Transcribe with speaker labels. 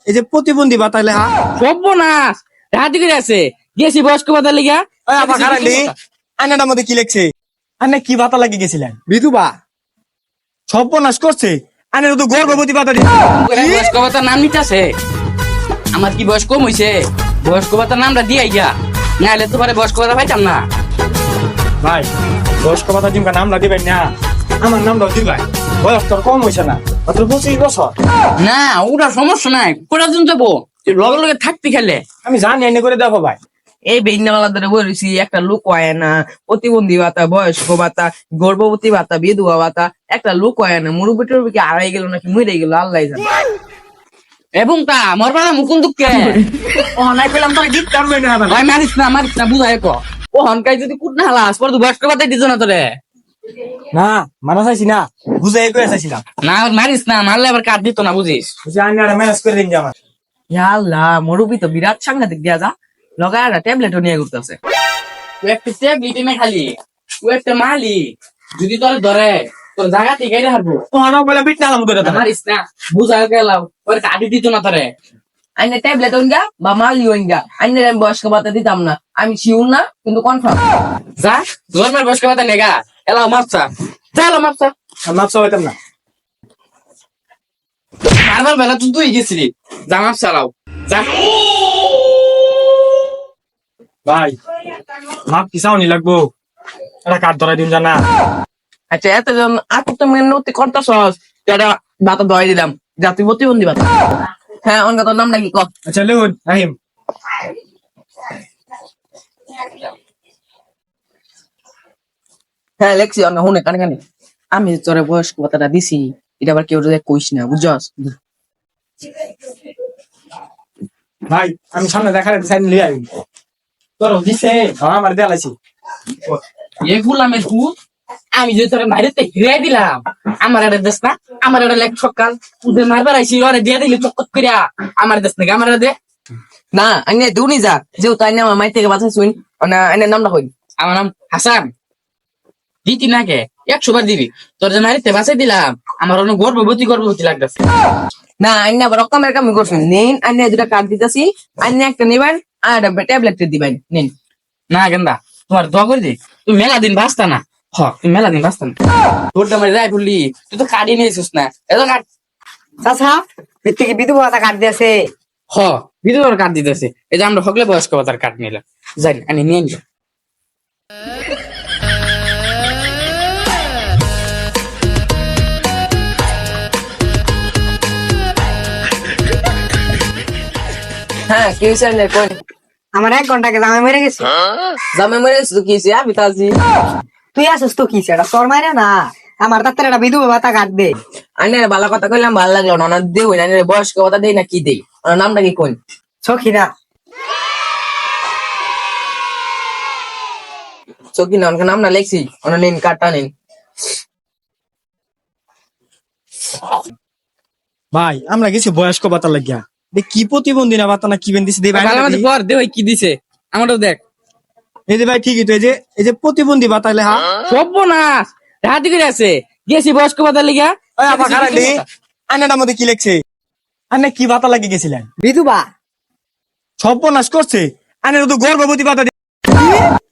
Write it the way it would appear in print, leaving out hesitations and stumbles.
Speaker 1: এই যে প্রতিবন্ধী ভাতা লেখা।
Speaker 2: সর্বনাশ রাহাতি করে আছে গেছি বয়স্ক ভাতা লিগা।
Speaker 1: আবার খারাপ আয়নাটার মধ্যে কি লিখছে? আনে কি ভাতা লাগিয়ে গেছিলেন?
Speaker 3: বিধবা
Speaker 1: সর্বনাশ করছে। আনের তো গর্ভবতী ভাতা দিছে।
Speaker 2: বয়স্ক ভাতার নাম নিতেছে। আমার কি বয়স কম হইছে? বয়স্ক ভাতার নামটা দিয়াই গা, নাহলে তোমার বয়স্ক ভাতা পাইতাম না।
Speaker 1: ভাই বয়স্ক ভাতা দিমকা নামটা দিবেন না, আমার নামটাও দিবেন। বয়স তোর কম হয়েছে না, মাত্র 25 বছর।
Speaker 2: না ওটা সমস্যা নাই, কোটা দিন যাবো লগে লগে থাকতে খেলে।
Speaker 1: আমি জানি এনে করে দেখো ভাই।
Speaker 3: এই বেইনাওয়ালা ধরে বলেছি একটা লোক হয় না, প্রতিবন্ধী ভাতা, বয়স্ক ভাতা, গর্ভবতী ভাতা, বিধবা ভাতা, একটা লোক হয় না। মুরব্বী টুরব্বী কি আড়াই গেল নাকি মরে গেল আল্লাহ জানে।
Speaker 2: এবং তা মোর বাবা মুকুন দুঃখে
Speaker 1: ও নাই পেলাম তোর গিফট করবে না
Speaker 2: ভাই মারিস না বুঝাই কো ও হনকাই যদি কুট না হালাস পর তুই বয়স্ক ভাতাই দিছ না তোরে।
Speaker 1: না মানা চাইছি না, বুঝাই করে চাইছিলাম।
Speaker 2: না মারিস না, মারলে আবার কাট দিত না বুঝিস।
Speaker 1: বুঝি আইনা ম্যানেজ করে দিন যে আমার।
Speaker 3: ইয়া আল্লাহ, মুরব্বী তো বিরাট সাংঘাতিক দিয়া যা লগায় একটা ট্যাবলেটও নিয়ে ঘুরতেছে।
Speaker 2: তুই একটা ট্যাবলেট এনে খালি তুই একটা মালি যদি তোর ধরে তোর জায়গা থেকে হারবো।
Speaker 1: ও না বলে বিট নালাম করে দাও।
Speaker 2: মারিস না বুঝাই গেলাম ওর কাটি দিত না তোরে।
Speaker 3: আইনে ট্যাবলেট ওইগা বা মালি ওইগা আইনের আমি বয়স্ক ভাতা দিতাম না, আমি শিউর না কিন্তু কনফার্ম।
Speaker 2: যা জন্মের বয়স্ক ভাতা নেগা এলাও মাপসা এলাও মাপসা।
Speaker 1: মাপ চাইতাম না।
Speaker 2: মারবার বেলা তুই গেছিলি, যা মাপসা লাও যা।
Speaker 1: ভাই মাপ কি চাউনি লাগবো? এটা কাঠ ধরাই দিন জানা।
Speaker 3: আচ্ছা এতজন আপত্তি মেনতি করতেছস, এটা ভাতা ধরাই দিলাম, জাতি প্রতিবন্ধী ভাতা। হ্যাঁ অনকা তোর নাম নাকি ক?
Speaker 1: আচ্ছা লেউন রাহিম।
Speaker 3: হ্যাঁ লেখছি অনকা হুনে কানে কানে। আমি তোরে বয়স্ক ভাতাটা দিছি, এটা আবার কেউ যদি কইস না বুঝছস।
Speaker 1: ভাই আমি সামনে দেখালে সাইন লিয়ে আইবি। তোর দিছে আমার দেলাইছি।
Speaker 2: এ গুলামের পুত আমি যে তোর বাইরেতে হিরে দিলাম আমার একটা দেশ না, আমার একটা লেখ সকাল তুই মারবার আইসি ওরে দিয়ে দিলি চক্কর করিয়া আমার দেশ নাকি আমার দে।
Speaker 3: না আইনে দুনি যা যেহেতু আইনে আমার মাই থেকে বাঁচা শুন না, আইনের নামটা কই?
Speaker 2: আমার নাম হাসান। দিতি নাকে 100 বার দিবি, তোর যে মারিতে বাঁচাই দিলাম আমার অনেক গর্ভবতী লাগতেছে।
Speaker 3: না আইনে আবার রকমের কামি করছেন। নিন আইনে দুটা কার্ড দিতেছি, আইনে একটা নেবেন আর একটা ট্যাবলেট দিবেন নিন।
Speaker 2: না গেন্দা তোমার দোয়া করে দি, তুই মেলা দিন বাঁচতা না। হ তুই মেলা দিন বাঁচতা না, তোর দামারে যাই বললি তুই তো কাটি নিয়েছিস না এত কাট।
Speaker 4: চাচা ভিত্তিকে বিধবা ভাতা কাট দিয়েছে।
Speaker 2: হ বিধবার কাট দিতেছে, এই যে আমরা হকলে বয়স্ক ভাতার কাট নিলাম, যাই আমি নিয়ে নিলাম।
Speaker 3: হ্যাঁ কি হয়েছে আইনে কই?
Speaker 4: আমার 1 ঘন্টা আগে জামাই মরে গেছে।
Speaker 3: জামে মরে গেছে তো কি হয়েছে? আমি তো আছি।
Speaker 4: তুই আসিস তো কি সেটা তোর মাইরে না, আমার তাত্তার একটা বিধবা ভাতা কাট দে।
Speaker 3: আইনের ভালো কথা কইলাম, ভালো লাগলো না। ওনার দেই আইনের বয়স্ক ভাতা দেই না কি দেই? ওনার নামটা কি কোন?
Speaker 4: সখিনা।
Speaker 3: চকি না ওনার নাম না লেখছি, ওনার নিন কার্ডটা নিন।
Speaker 1: ভাই আমরা গেছি বয়স্ক ভাতা লাগিয়া, কি প্রতিবন্ধী না ভাতা না কি বেন দিছে?
Speaker 2: ভালো মতো পর দে ভাই কি দিছে আমারও দেখ।
Speaker 1: এই যে ভাই ঠিকই তো, এই যে প্রতিবন্ধী ভাতা লেখা।
Speaker 2: সর্বনাশ রাহাতি করে আছে গেছি বয়স্ক ভাতার লিগা।
Speaker 1: আবার খারাপ আয়নাটার মধ্যে কি লিখছে? আনে কি ভাতা লাগিয়ে গেছিলেন?
Speaker 4: বিধবা
Speaker 1: সর্বনাশ করছে। আনের তো গর্ভবতী ভাতা